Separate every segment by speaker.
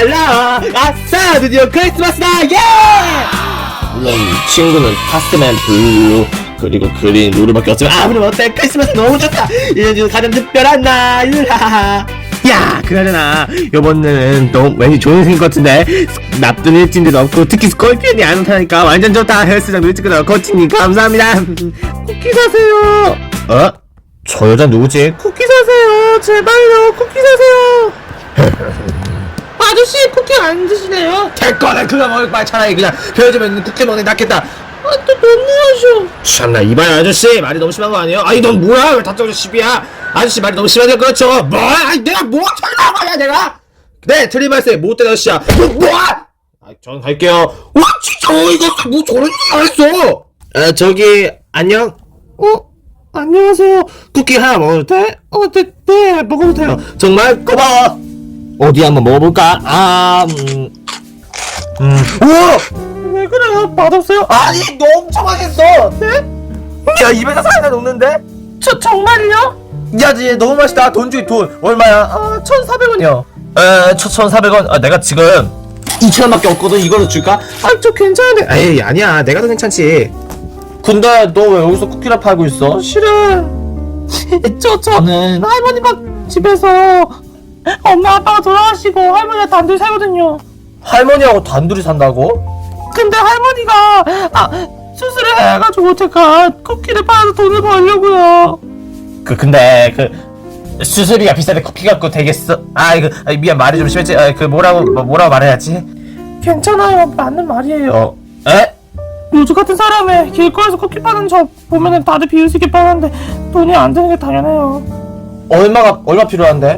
Speaker 1: 랄랄라 아싸 드디어 크리스마스다 예! 물론 친구는 타스맨 블루 그리고 그린 루루밖에 없지만 아무리 어때 크리스마스 너무 좋다. 1년 중 가장 특별한 날. 야 그나저나 요번에는 또 왠지 좋은 생일 같은데 나쁜 일진도 없고 특히 스콜피언이 안 나타나니까 완전 좋다. 헬스장 일찍 코치님 감사합니다. 쿠키 사세요. 어? 저 여자 누구지? 쿠키 사세요 제발요 쿠키 사세요. 아저씨 쿠키 안 드시네요? 됐거든 그거 먹을 바에 차라리 그냥 편의점에 있는 쿠키 먹는 게 낫겠다. 아 또 너무하셔. 참나 이봐요 아저씨 말이 너무 심한 거 아니에요? 아니 넌 뭐야 왜 다짜고짜 시비야. 아저씨 말이 너무 심하게 그렇죠. 뭐? 아니 내가 뭐 잘나온 거야 내가. 네 틀린 말씀 못된 아저씨야. 뭐? 아 전 갈게요. 와 진짜 이거 뭐 저런 짓을 했어. 저기 안녕. 안녕하세요. 쿠키 하나 먹어도 돼? 네 먹어도 돼요. 정말 고마워. 어디 한번 먹어볼까? 우와! 왜 그래요? 맛없어요? 아니 너 엄청 맛있어. 네? 야 입에서 살살 녹는데? 정말요? 야 얘 너무 맛있다. 돈 주기 돈 얼마야? 1,400원이요 1,400원? 내가 지금 2,000원밖에 없거든. 이걸로 줄까? 저 괜찮은데. 에이 아니야 내가 더 괜찮지. 근데 너 왜 여기서 쿠키를 팔고 있어? 실은 저는 할머니 집에서 엄마 아빠가 돌아가시고 할머니가 단둘이 살거든요. 할머니하고 단둘이 산다고? 근데 할머니가 수술을 해가지고 제가 쿠키를 팔아서 돈을 벌려고요. 근데 수술비가 비싼데 쿠키 갖고 되겠어? 미안 말이 좀 심했지. 뭐라고 말해야지? 괜찮아요 맞는 말이에요. 에? 요즘 같은 사람에 길거리에서 쿠키 파는 저 보면은 다들 비웃으게 파는데 돈이 안 드는 게 당연해요. 얼마 필요한데?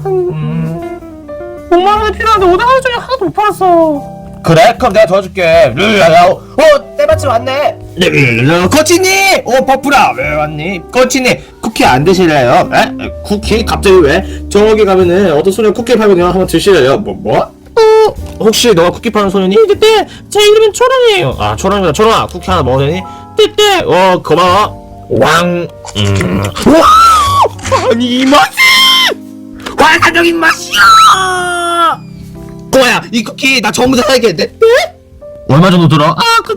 Speaker 1: 5만원이 필요한데 오늘 하루 종일 하나도 못 팔았어. 그래? 그럼 내가 도와줄게. 때마침 왔네. 코치님! 버프라 왜 왔니? 코치님 쿠키 안 드실래요? 에? 쿠키? 갑자기 왜? 저기 가면은 어떤 소녀 쿠키 팔거든요. 한번 드실래요? 뭐? 혹시 너가 쿠키 파는 소년이? 네, 제 이름은 초롱이에요. 초롱이다. 초롱아, 쿠키 하나 먹어도 되니? 네. 고마워. 왕. 와! 아니 이 맛이! 환상적인 맛이야! 꼬마야, 이 쿠키 나 전부 다 사야겠는데? 네? 얼마 정도 들어?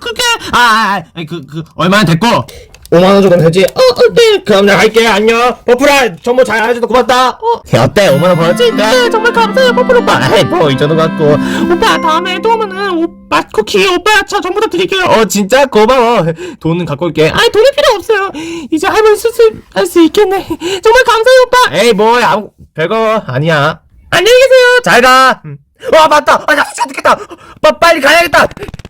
Speaker 1: 얼마나 됐고? 5만원 정도 되지? 네. 그럼 나 갈게. 안녕. 버프라, 정보 잘 알려줘서 고맙다. 어때? 5만원 벌었지? 네, 정말 감사해요, 버프라 오빠. 이 정도 갖고. 오빠, 다음에 또 오면은, 쿠키, 오빠, 전부 다 드릴게요. 진짜? 고마워. 돈은 갖고 올게. 돈이 필요 없어요. 이제 할머니 수술할 수 있겠네. 정말 감사해요, 오빠. 별거 아니야. 안녕히 계세요. 잘 가. 맞다. 나 수술 안 듣겠다. 빨리 가야겠다.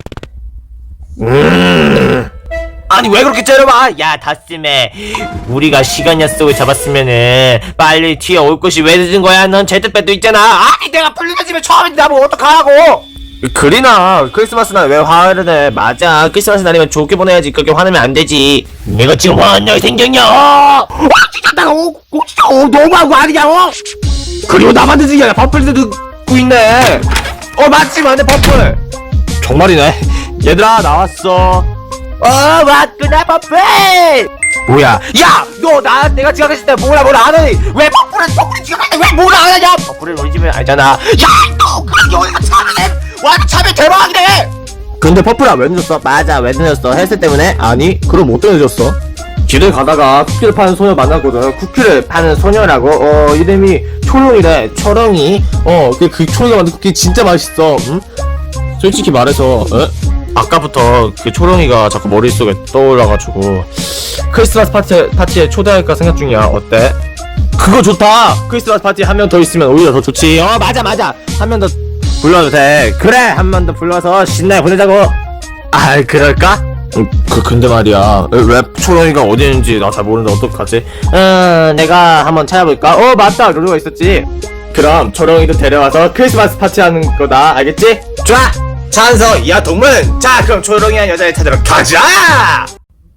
Speaker 1: 아니 왜 그렇게 째려봐? 야 다스메 우리가 시간 약속을 잡았으면은 빨리 뒤에 올 것이 왜 늦은 거야? 넌 제트백도 있잖아. 아니 내가 풀리는 집에 처음인데 나보고 어떡하라고. 그리나 크리스마스 날 왜 화를 내? 맞아 크리스마스 날이면 좋게 보내야지. 그렇게 화내면 안 되지. 내가 지금 화난 날 생겼냐? 진짜 내가 너무한 거 아니냐고? 그리고 나만 늦은 게 아니라 버플도 듣고 있네. 맞지만 내 버플 정말이네. 얘들아 나왔어. 맞구나 버플. 뭐야? 야! 너 내가 지각했을 때 뭐라 안 하니? 왜 버플을 지각할 때 왜 뭐라 안 하냐? 버플을 우리 집에 알잖아. 야! 너 그럼 여기가 참해! 완전 참해 대박이네! 근데 버플아 왜 늦었어? 맞아 왜 늦었어? 헬스 때문에? 아니 그럼 뭐 때문에 늦었어? 길을 가다가 쿠키를 파는 소녀 만났거든. 쿠키를 파는 소녀라고? 이름이 초롱이래. 초롱이. 그 초롱이가 만든 쿠키 진짜 맛있어. 응? 솔직히 말해서 아까부터 그 초롱이가 자꾸 머릿속에 떠올라가지고 크리스마스 파티에 초대할까 생각 중이야. 어때? 그거 좋다. 크리스마스 파티에 한 명 더 있으면 오히려 더 좋지. 맞아 한 명 더 불러도 돼. 그래 한 명 더 불러서 신나게 보내자고. 그럴까? 근데 말이야 왜 초롱이가 어디 있는지 나 잘 모르는데 어떡하지? 내가 한번 찾아볼까? 맞다 루루가 있었지. 그럼 초롱이도 데려와서 크리스마스 파티 하는 거다. 알겠지? 좋아 찬성. 야 동문. 자 그럼 초롱이한 여자를 찾으러 가자.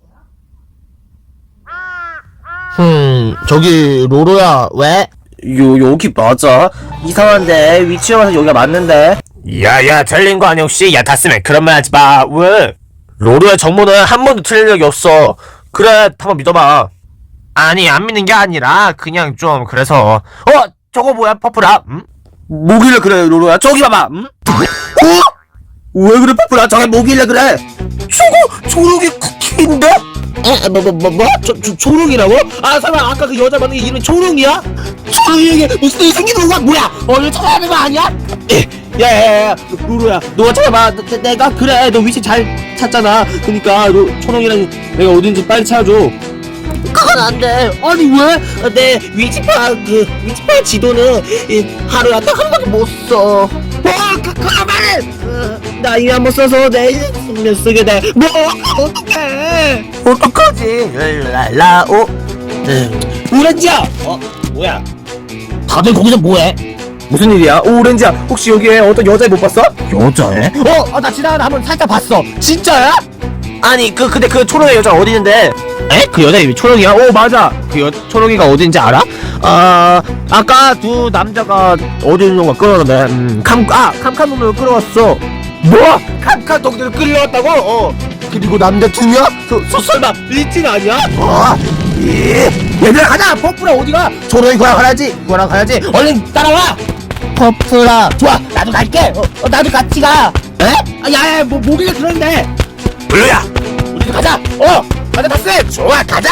Speaker 1: 저기 로로야 왜? 여기 맞아? 이상한데 위치에 와서 여기가 맞는데. 야야 틀린 거 아니야 혹시? 야 다스맨 그런 말 하지 마. 왜? 로로의 정보는 한 번도 틀린 적이 없어. 그래 한번 믿어봐. 아니 안 믿는 게 아니라 그냥 좀 그래서. 저거 뭐야 퍼플아?
Speaker 2: 뭐길래 그래 로로야? 저기 봐봐. 응? 왜 그래 퍼플아? 저게 뭐길래 그래? 저거 초록이 쿠키인데? 뭐? 초록이라고? 아 설마 아까 그 여자 만난 게 이름이 초록이야? 초록이에게 무슨 일이 생기는 거야? 뭐야? 얼른 찾아야 되는 거 아니야? 야야야야 로로야 너가 찾아봐. 내가 그래 너 위치 잘 찾잖아. 그니까 너 초록이랑 내가 어딘지 빨리 찾아줘. 그건 안 돼. 아니 왜? 내 위치판 지도는 하루에 딱 한 번도 못 써. 그만해. 나 이미 한번 써서 내일 쓰게 돼. 뭐 어떡해? 어떡하지? 라오. 오렌지야. 뭐야? 다들 거기서 뭐해? 무슨 일이야? 오렌지야 혹시 여기에 어떤 여자애 못 봤어? 여자애? 나 지나가다 한번 살짝 봤어. 진짜야? 아니 근데 그 초록의 여자 어디 있는데? 에? 그 여자 이름이 초록이야? 오 맞아. 그 초록이가 어딘지 알아? 아까 두 남자가 어디 있는 거 끌어오는데 캄캄 놈을 끌어왔어. 뭐? 캄캄 놈을 끌어왔다고? 그리고 남자 두 명? 설마 리친 아니야? 얘들아 가자. 퍼플아 어디가? 초록이 거랑 가야지. 얼른 따라와. 퍼플아 좋아 나도 갈게. 나도 같이 가. 에? 야야 뭐길래 그러는데? 블루야 우리도 가자. 가자 다스. 좋아 가자.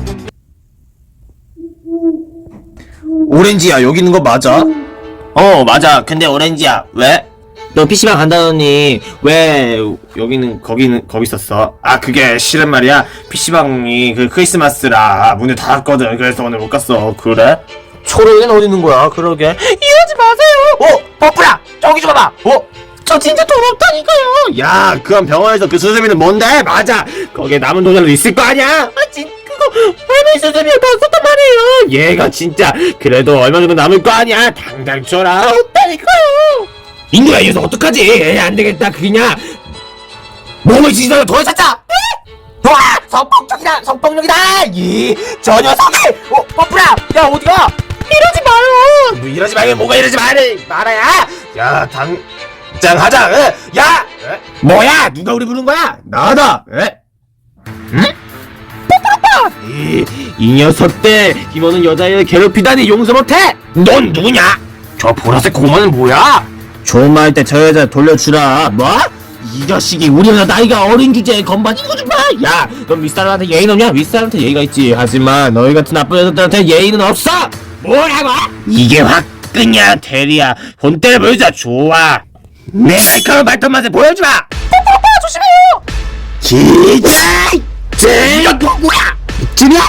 Speaker 2: 오렌지야 여기 있는 거 맞아? 맞아. 근데 오렌지야 왜? 너 PC방 간다더니 왜 여기는 거기 있었어? 그게 실은 말이야 PC방이 그 크리스마스라 문을 닫았거든. 그래서 오늘 못 갔어. 그래? 초록이는 어디 있는 거야? 그러게 이러지 마세요. 퍼플아 저기 좀 봐봐. 저 진짜 돈 없다니까요. 야 그건 병원에서 그 수세미는 뭔데? 맞아 거기에 남은 돈이라도 있을 거 아니야? 그거 할머니 수세미에 다 썼단 말이에요. 얘가 진짜 그래도 얼마 정도 남을 거 아니야. 당장 줘라. 없다니까요. 인구야 이 녀석 어떡하지? 안되겠다. 그냥 몸을 지지다가 더 찾자. 좋아 성폭력이다. 저 녀석이 퍼플아 야 어디가? 이러지 마요. 뭐 이러지 말고 뭐가 이러지 말아야. 야 당장 하자. 야 뭐야 누가 우리 부른 거야? 나다. 응? 퍼플 오빠. 이 녀석들 김원은 여자애를 괴롭히다니 용서 못해. 넌 누구냐? 저 보라색 고마는 뭐야? 좋은 말 할 때 저 여자 돌려주라. 뭐? 이 자식이 우리보다 나이가 어린 주제에 건반 이거 좀 봐. 야, 넌 윗사람한테 예의는 없냐? 윗사람한테 예의가 있지. 하지만 너희 같은 나쁜 여자들한테 예의는 없어. 뭐라고? 이게 화끈이야 대리야. 본때를 보여주자. 좋아. 내 날카로운 말투 맛을 보여주마. 오빠 조심해요. 기자 이거 누구야? 지금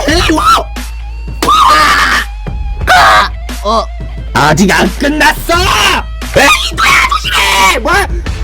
Speaker 2: 아직 안 끝났어. 에이 뭐야 조심해. 뭐?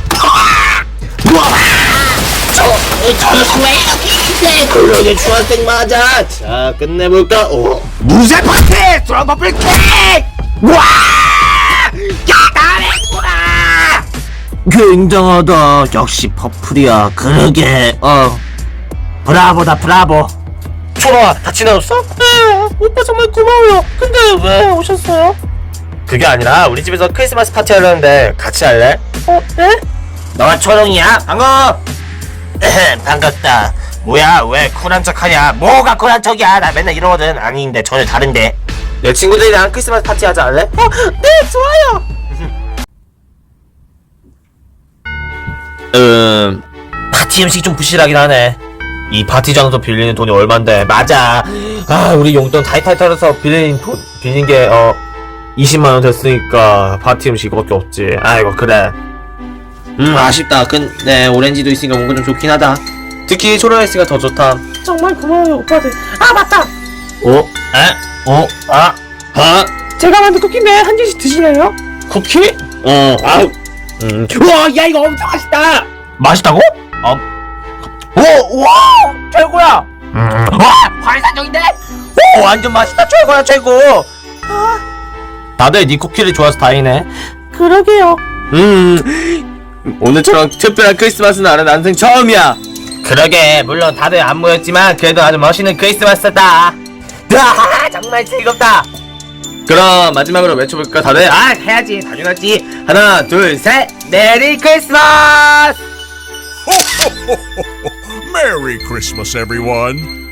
Speaker 2: 저 녀석 왜 여기 있대? 그러게 중학생 맞아. 자 끝내볼까? 무쇠 파티 스트롱 퍼플 케이크. 와! 야 잘했구나. 굉장하다. 역시 퍼플이야. 그러게 브라보다 브라보. 초롱아 다 지나갔어? 네 오빠 정말 고마워요. 근데 왜 오셨어요? 그게 아니라 우리 집에서 크리스마스 파티 하려는데 같이 할래? 네? 너가 초롱이야? 반가워. 반갑다. 뭐야 왜 쿨한 척하냐? 뭐가 쿨한 척이야? 나 맨날 이러거든. 아닌데 전혀 다른데. 내 친구들이랑 크리스마스 파티 하자 할래? 네 좋아요. 파티 음식 좀 부실하긴 하네. 이 파티 장소 빌리는 돈이 얼만데. 맞아. 우리 용돈 타이타이 털어서 빌린 게 20만원 됐으니까 파티 음식 이거밖에 없지. 아이고 그래. 아쉽다. 근데 오렌지도 있으니까 뭔가 좀 좋긴 하다. 특히 초록아이스가 더 좋다. 정말 고마워요 오빠들. 맞다. 제가 만든 쿠키인데 한 개씩 드실래요? 쿠키? 우와 야 이거 엄청 맛있다. 맛있다고? 와 최고야. 와 환상적인데? 완전 맛있다. 최고야 최고. 다들 네 쿠키를 좋아해서 다행이네. 그러게요. 오늘처럼 특별한 크리스마스 날은 난생 처음이야. 그러게 물론 다들 안 모였지만 그래도 아주 멋있는 크리스마스다. 정말 즐겁다. 그럼 마지막으로 외쳐볼까 다들? 해야지 당연하지. 하나 둘 셋 메리 크리스마스.
Speaker 3: Merry Christmas, everyone.